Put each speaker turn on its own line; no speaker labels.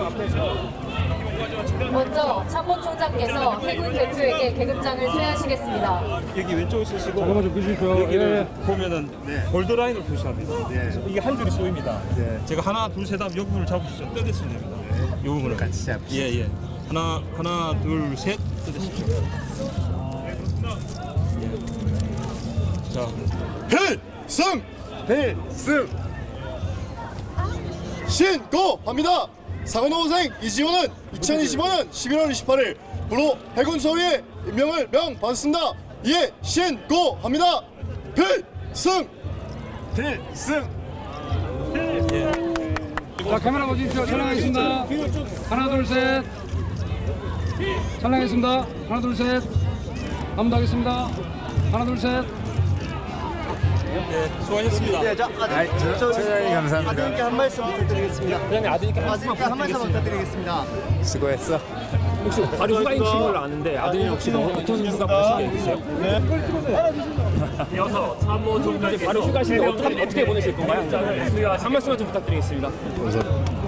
먼저 참모총장께서 해군 대표에게 계급장을 수여하시겠습니다.
여기 왼쪽에 쓰시고
잠깐만 좀 끄십시오.
여기를
예.
보면은 볼드라인을 표시합니다. 그래서 이게 한 줄이 쏘입니다. 제가 하나, 둘, 셋 하면 이 부분을 잡으시죠. 뜯으시면 됩니다. 이 부분을
같이 잡으시죠.
예. 하나, 둘, 셋 뜯으십시오. 예. 자,
필승
신고합니다. 사관호생 이지호는 2025년 11월 28일 부로 해군 소위의 임명을 명받았습니다. 이에 신고합니다. 필승.
자, 카메라 보십시오. 촬영하겠습니다. 하나, 둘, 셋. 촬영하겠습니다. 하나, 둘, 셋. 한번 더 하겠습니다. 하나, 둘, 셋.
예, 수고하셨습니다.
최장님 감사합니다.
아드님께 한 말씀 부탁드리겠습니다.
그냥 아드님께
한 말씀 부탁드리겠습니다.
수고했어.
혹시 바로 휴가이신 걸로 아는데 아드님 혹시 어떤 휴가 보신 게 있으세요? 이어서 참모 총장님 바로 휴가신데 어떻게 보내실 건가요? 한 말씀만 좀 부탁드리겠습니다.
우선